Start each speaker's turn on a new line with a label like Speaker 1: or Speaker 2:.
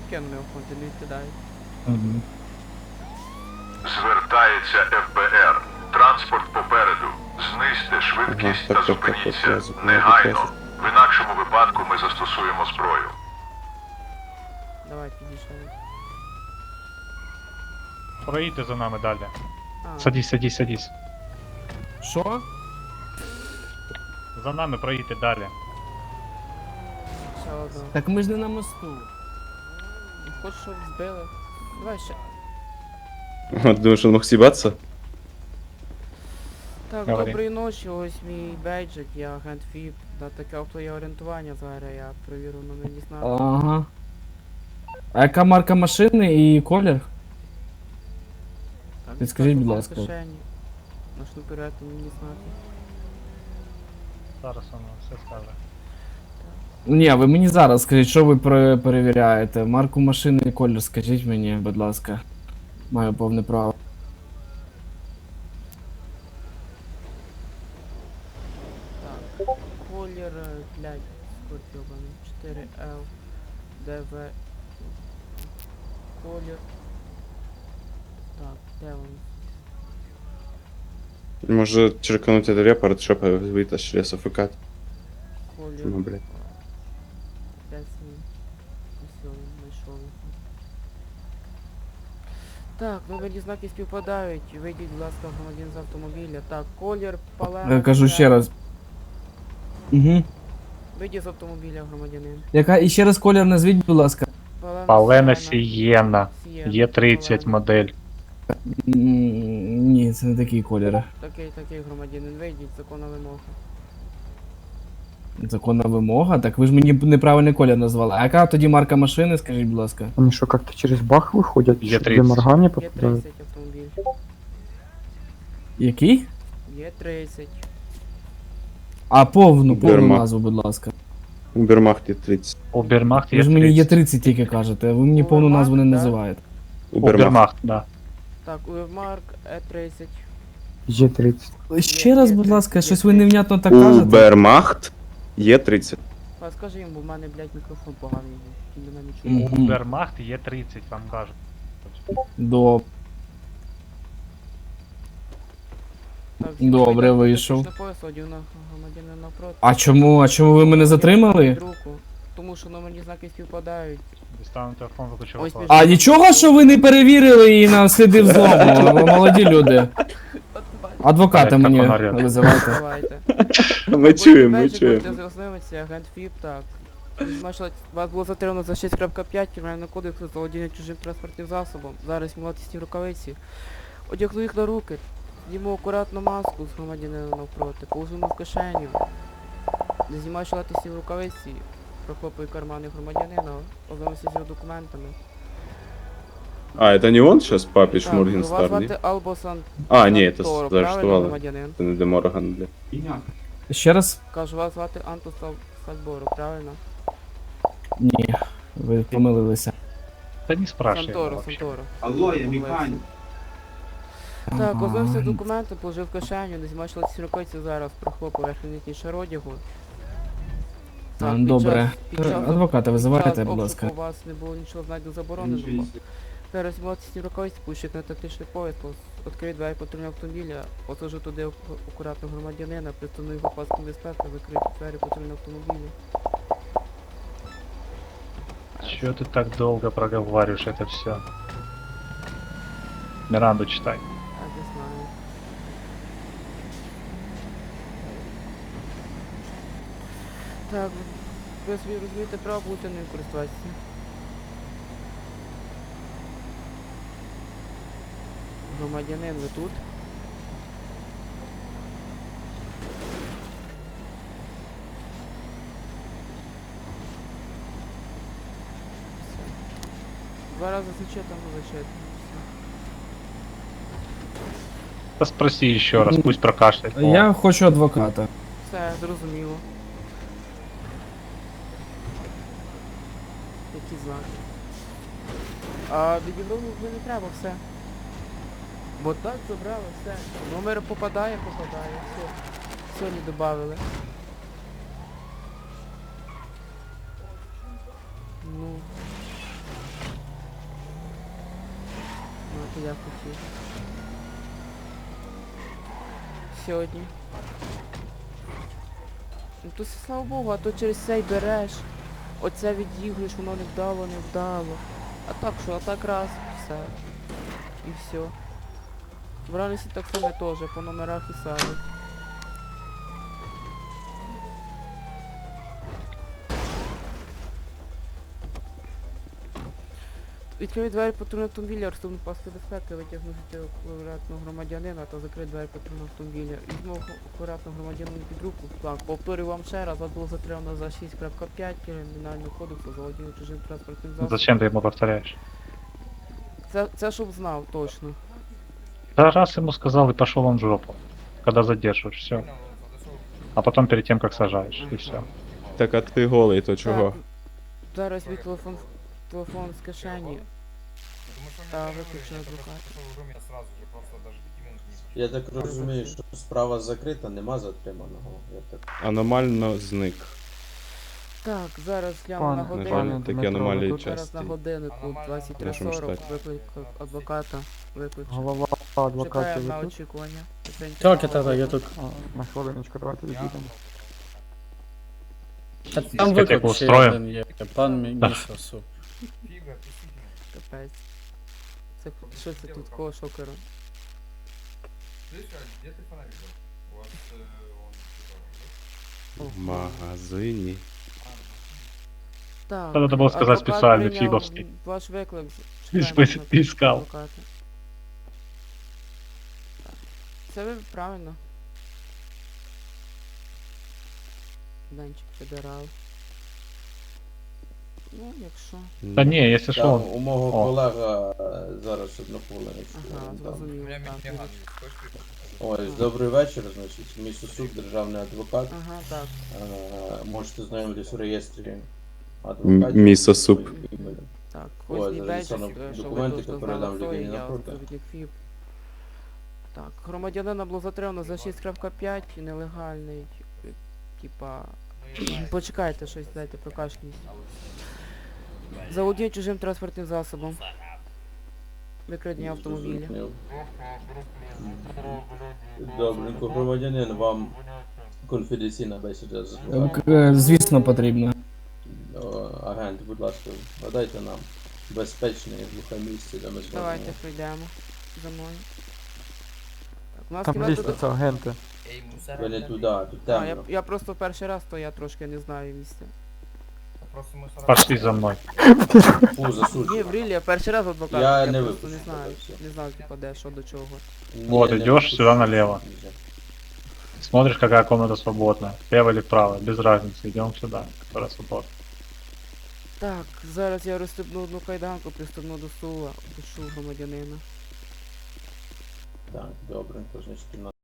Speaker 1: скинув його фонд, не відкидає.
Speaker 2: Угу.
Speaker 3: Звертається ФБР. Транспорт попереду. Знизьте швидкість
Speaker 4: Ага,
Speaker 3: та
Speaker 4: так,
Speaker 3: зупиніться
Speaker 4: я зупинив
Speaker 3: негайно.
Speaker 4: відразу.
Speaker 3: В інакшому випадку ми застосуємо зброю.
Speaker 1: Давай, підійшли.
Speaker 2: Проїдьте за нами далі.
Speaker 1: А,
Speaker 2: Садись.
Speaker 5: Що?
Speaker 2: За нами проїдьте далі.
Speaker 1: ще одного.
Speaker 5: Так ми ж не на мосту.
Speaker 1: Хочеш, щоб збили? Давай ще.
Speaker 4: Думаешь, он мог съебаться?
Speaker 1: Так,
Speaker 2: Говори.
Speaker 1: доброї ночі, ось мій бейджик, я агент ФІП. На таке авто є орієнтування зараз, я провірю на мені знати.
Speaker 5: Ага. А яка марка машини і колір?
Speaker 1: Так,
Speaker 5: підскажіть, будь
Speaker 1: телефон в
Speaker 5: ласка.
Speaker 1: кишені. На шнуперету мені знати.
Speaker 2: Зараз воно все скаже.
Speaker 5: Ні, ви мені зараз скажіть, що ви перевіряєте? Марку машини і колір скажіть мені, будь ласка. Маю повне право.
Speaker 1: Так, колір, блядь, скорпіоний, 4L, ДВ, колір. Так, де він?
Speaker 4: Может черкануть этот репорт, чтобы вытащили СФК?
Speaker 1: Колір.
Speaker 4: Ну, блядь.
Speaker 1: Десь він. Ось його знайшов. Так, номерні знаки співпадають. Вийдіть, будь ласка, громадян з автомобіля. Так, колір, палена.
Speaker 5: Я кажу ще раз. Угу.
Speaker 1: Вийдіть з автомобіля, громадянин.
Speaker 5: Яка і ще раз колір назвіть, будь ласка.
Speaker 2: Палена
Speaker 1: Сієна.
Speaker 2: Сієна. Є 30 модель.
Speaker 5: Ні, це не такі кольори.
Speaker 1: Такий громадянин, вийдіть, законна вимога.
Speaker 5: Законна вимога? Так ви ж мені неправильний колір назвали. А яка тоді марка машини, скажіть, будь ласка?
Speaker 6: Они что, как-то через бах выходят?
Speaker 2: Е30.
Speaker 6: Что, для моргания
Speaker 1: Є
Speaker 6: попадают?
Speaker 1: 30 автомобіль.
Speaker 5: Який?
Speaker 1: Є 30.
Speaker 5: А повну
Speaker 4: Берма.
Speaker 5: назву, будь ласка.
Speaker 4: Убермахт Е30.
Speaker 2: Убермахт
Speaker 5: Ви
Speaker 2: є
Speaker 5: ж мені є
Speaker 2: 30.
Speaker 5: 30 тільки кажете, а ви мені повну назву не
Speaker 1: Да.
Speaker 5: називаєте.
Speaker 2: Убермахт, да.
Speaker 1: Так, Уевмарк, Е30.
Speaker 6: Е30.
Speaker 5: Ще раз, будь ласка, щось ви невнятно так кажете.
Speaker 4: Убермахт Е30.
Speaker 1: А скажи їм, бо в мене, блядь, мікрофон поганий. Він мене не чує.
Speaker 5: Мгм.
Speaker 2: Убермахт є 30, вам кажуть.
Speaker 5: Добре.
Speaker 1: Так, всі
Speaker 5: Добре,
Speaker 1: громадяни,
Speaker 5: вийшов.
Speaker 1: тактичний пояс, одягну громадянина навпроти.
Speaker 5: А чому ви мене затримали?
Speaker 1: Руку, тому що номерні знаки співпадають.
Speaker 2: Дістану телефон, виключу
Speaker 1: Ось
Speaker 2: телефон.
Speaker 5: А нічого, що ви не перевірили і на сліди взлому, молоді люди. Адвоката
Speaker 2: Так,
Speaker 5: мені
Speaker 2: так, вона ряд.
Speaker 5: визивайте.
Speaker 1: Давайте.
Speaker 4: Мы чуем, мы чуем.
Speaker 1: Будете ознайомитися, агент ФІП, так. Вас було затримано за 6.5 Кримінального кодексу за володіння чужим транспортним засобом. Зараз знімати ці рукавиці. Одягну їх на руки. Зніму акуратно маску з громадянина навпроти. Положимо в кишеню. Не знімаю шалатисті рукавиці. Прохлопую кармани громадянина. Ознайомився з його документами.
Speaker 4: А, это не он сейчас, папич
Speaker 1: Так,
Speaker 4: Моргенстар,
Speaker 1: вас
Speaker 4: не?
Speaker 1: звати Албосан.
Speaker 4: А, не, это
Speaker 1: Сантoro, правильно,
Speaker 4: заарештовали.
Speaker 1: громадянин?
Speaker 4: Это не де Морган, бля.
Speaker 5: Ще раз?
Speaker 1: Кажу, вас звати Антус Сальборо, правильно?
Speaker 5: Ні, ви помилилися.
Speaker 2: Та не спрашивай.
Speaker 1: Санторо,
Speaker 2: вообще.
Speaker 1: Санторо.
Speaker 7: Алло, я механік.
Speaker 1: Так, ознався документи, положив в кишеню, не змачила ці рукавиці зараз, прохлопав верхній шар одягу. Так,
Speaker 5: Добре.
Speaker 1: під час
Speaker 5: Адвоката визивайте, будь
Speaker 1: обшуку
Speaker 5: ласка.
Speaker 1: у вас не було нічого знайду забороненого. Зараз знімати ці рукавиці, пущик на тактичний поїзд, відкрию двері патрульного автомобіля, посажу туди акуратно громадянина, пристану його паском безпеки, закрию двері патрульного автомобіля.
Speaker 2: Чё ты так долго проговариваешь это все? Миранду читай.
Speaker 1: Так, я знаю. Так, ви собі розумієте право бути ним користуватися. Громадянин, ви тут? Все. 2 рази зачетом зачетом.
Speaker 2: Да спроси еще раз, пусть прокашляет. О,
Speaker 5: Я хочу адвоката.
Speaker 1: Все, зрозуміло. Які знаки? А відібрали вже не треба, все. Бо так забрали, все. Номер попадає, все. Сьогодні додали. Ну. що я хотів. Сьогодні. Ну то слава Богу, а то через цей береш. Оце відігруєш, воно не вдало, не вдало. А так що, а так раз, все. І все. В реальності так само теж, по номерах і садять. Відкрив двері патрульного автомобіля, розступну паску безпеки, витягнув акуратного громадянина та закрив двері патрульного автомобіля. Візьму акуратного громадянина під руку. Так, повторюю вам ще раз, вас було затримано за 6.5 Кримінального кодексу за володіння чужим транспортним засобом.
Speaker 2: Зачем ты ему повторяешь?
Speaker 1: Це щоб знав, точно.
Speaker 2: Да раз ему сказал и пошел он в жопу. Когда задерживаешь, все. А потом перед тем, как сажаешь, и все.
Speaker 4: Так, а ти голий, то чого?
Speaker 1: Так, зараз мій телефон з кишені. Та виключно адвокат.
Speaker 7: Я так розумію, що справа закрита, нема затриманого. Я так...
Speaker 4: Аномально зник.
Speaker 1: Так, зараз гляну
Speaker 6: Пан,
Speaker 1: на
Speaker 6: на
Speaker 1: годинник.
Speaker 6: жаль,
Speaker 4: Такі
Speaker 6: Дмитро,
Speaker 4: аномалії
Speaker 6: тут
Speaker 1: Зараз на
Speaker 4: часті.
Speaker 1: годиннику
Speaker 4: В нашому
Speaker 1: 23:40
Speaker 4: штаті.
Speaker 1: виклик адвоката. Виключу.
Speaker 6: Голова адвокатів
Speaker 1: Чекаємо на
Speaker 6: ви тут?
Speaker 1: очікування.
Speaker 8: Так, я тут.
Speaker 6: А, на хвилиночку, давайте відійдемо.
Speaker 8: Та там
Speaker 2: Дискотеку
Speaker 8: виклик ще
Speaker 2: устроїмо?
Speaker 8: один є. Пан Місосу.
Speaker 1: Капець. Це що це тут кого шокера?
Speaker 4: В магазині.
Speaker 1: Так.
Speaker 2: Надо было сказать
Speaker 1: адвокат
Speaker 2: специальный,
Speaker 1: прийняв
Speaker 2: фибовский.
Speaker 1: Ваш виклик.
Speaker 2: Лишь
Speaker 1: Чекаємо
Speaker 2: бы
Speaker 1: на
Speaker 2: искал.
Speaker 1: адвоката. Так. Це ви правильно. Данчик федерал. Ну, якщо.
Speaker 2: Да не, если что,
Speaker 7: Там
Speaker 2: он...
Speaker 7: у мого
Speaker 2: О.
Speaker 7: колега зараз одну хвилиночку.
Speaker 1: Ага,
Speaker 7: Там.
Speaker 1: зрозуміло. Так,
Speaker 7: Ось, добрий вечір, значить, мій сусуд, державний адвокат.
Speaker 1: ага, так.
Speaker 7: Можете знайомитись у реєстрі адвокатів.
Speaker 4: Місо суп.
Speaker 1: Так,
Speaker 7: Ой,
Speaker 1: ось мій бейджик,
Speaker 7: зареєстровано
Speaker 1: що ви
Speaker 7: документи,
Speaker 1: точно
Speaker 7: які
Speaker 1: знали,
Speaker 7: передам
Speaker 1: хто
Speaker 7: людині
Speaker 1: я,
Speaker 7: напроти.
Speaker 1: співробітник ФІБ. Так, громадянина було затримано за 6.5, нелегальний, типа... Почекайте щось, дайте, прокашність. Заволодіння чужим транспортним засобом. Викрадення автомобіля.
Speaker 7: Добренько, громадянин, вам конфіденційна бесіда з адвокатом.
Speaker 5: Звісно, потрібно.
Speaker 7: Агент, будь ласка, надайте нам безпечне і глухе місце, де ми зможемо.
Speaker 1: Давайте пройдемо за мною. Так, у нас
Speaker 6: Там
Speaker 1: кімната...
Speaker 6: лізьте, це агенти.
Speaker 7: Ви не туди, тут
Speaker 1: А,
Speaker 7: темно.
Speaker 1: я просто перший раз, то я трошки не знаю місця.
Speaker 2: Пошли за мной.
Speaker 7: Фу,
Speaker 1: Ні,
Speaker 7: засуджую.
Speaker 1: в рілі, я перший раз адвокат,
Speaker 7: Я
Speaker 1: я
Speaker 7: не
Speaker 1: просто не
Speaker 7: випущу
Speaker 1: знаю,
Speaker 7: тебе, все.
Speaker 1: не знаю, типа, де, що, до чого.
Speaker 2: Вот,
Speaker 7: Не,
Speaker 2: идешь
Speaker 7: не
Speaker 2: сюда
Speaker 7: випущу.
Speaker 2: налево. Смотришь, какая комната свободная. Слева или вправо, без разницы. Идем сюда, которая свободна.
Speaker 1: Так, зараз я розстебну одну кайданку, пристебну до стула, пишу громадянина.
Speaker 7: Так, добренько, значить,